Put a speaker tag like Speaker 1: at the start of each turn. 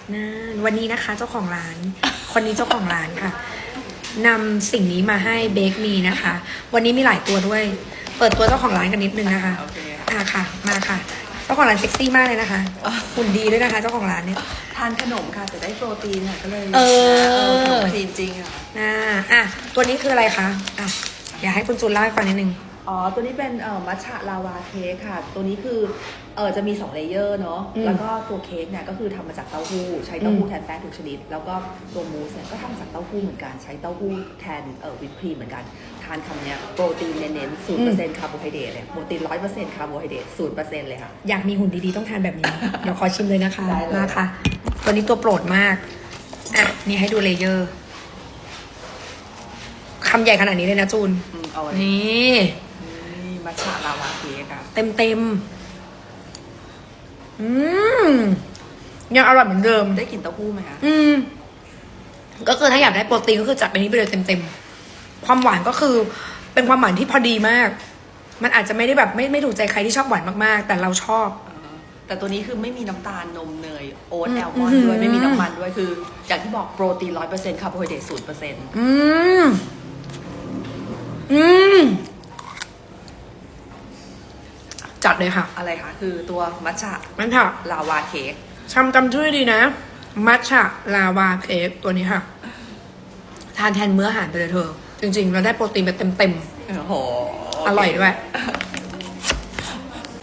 Speaker 1: นั่นวันนี้นะคะเจ้าของร้าน คนนี้เจ้าของร้านค่ะนำสิ่งนี้มาให้เบคมีนะคะ วันนี้มีหลายตัวด้วย เปิดตัวเจ้าของร้านกันนิดนึงนะคะ
Speaker 2: โอเค
Speaker 1: ค่ะมาค่ะเจ้าของร้านเซ็กซี่มากเลยนะคะหุ่นดีด้วยนะคะ เจ้าของร้านเนี่ย
Speaker 2: ทานขนมค่ะแต่ได้โปรตีนค่ะก็เลย
Speaker 1: เออ
Speaker 2: ขนมจีนจริงค่ะ
Speaker 1: ตัวนี้คืออะไรคะอยากให้คุณจูนเล่าให้ฟังนิดนึง
Speaker 2: อ๋อตัวนี้เป็นมัทฉะลาวาเค้กค่ะ ตัวนี้คือจะมี2เลเยอร์เนาะ แล้วก็ตัวเค้กเนี่ยก็คือทำมาจากเต้าหู้ใช้เต้าหู้แทนแป้งทุกชนิด แล้วก็ตัวมูสเนี่ยก็ทำมาจากเต้าหู้เหมือนกันใช้เต้าหู้แทนวิปครีมเหมือนกันทานคำเนี้ยโปรตีนเน้นๆ 0% คาร์โบไฮเดรตเลยโปรตีน 100% คาร์โบไฮเดรต 0% เลยค่ะ
Speaker 1: อยากมีหุ่นดีๆต้องทานแบบนี้ เดี๋ยวขอชิมเลยนะคะ
Speaker 2: ได้เลย
Speaker 1: มาค่ะ ตัวนี้ตัวโปรดมากนี่ให้ดูเลเยอร์คำใหญ่ขนาดนี้เลยนะจูน
Speaker 2: เอาอัน
Speaker 1: นี่
Speaker 2: นี่มัทฉะลาวาเค้กค่ะ
Speaker 1: เต็มยังอร่อยเหมือนเดิม
Speaker 2: ได้กลิ่นเต้าหู้ไหมคะ
Speaker 1: ก็คือถ้าอยากได้โปรตีนก็คือจัดไปนี้ไปเลยเต็มๆความหวานก็คือเป็นความหวานที่พอดีมาก มันอาจจะไม่ได้แบบไม่ถูกใจใครที่ชอบหวานมากๆ แต่เราชอบ
Speaker 2: แต่ตัวนี้คือไม่มีน้ำตาลนมเนยโอ๊ตแอลมอนด์ด้วยไม่มีน้ำมันด้วยคือ อย่างที่บอกโปรตีน 100% คาร์โบไฮเดรต 0%
Speaker 1: จัดเลยค่ะ
Speaker 2: อะไรคะคือตัวมัทฉะ
Speaker 1: นั่นค่ะ
Speaker 2: ลาวาเค้ก
Speaker 1: จำชื่อดีนะ มัทฉะลาวาเค้กตัวนี้ค่ะ ทานแทนมื้ออาหารไปเลยเธอ จริงๆ เราได้โปรตีนไปเต็ม
Speaker 2: โอ้โห
Speaker 1: ๆ อร่อยด้วย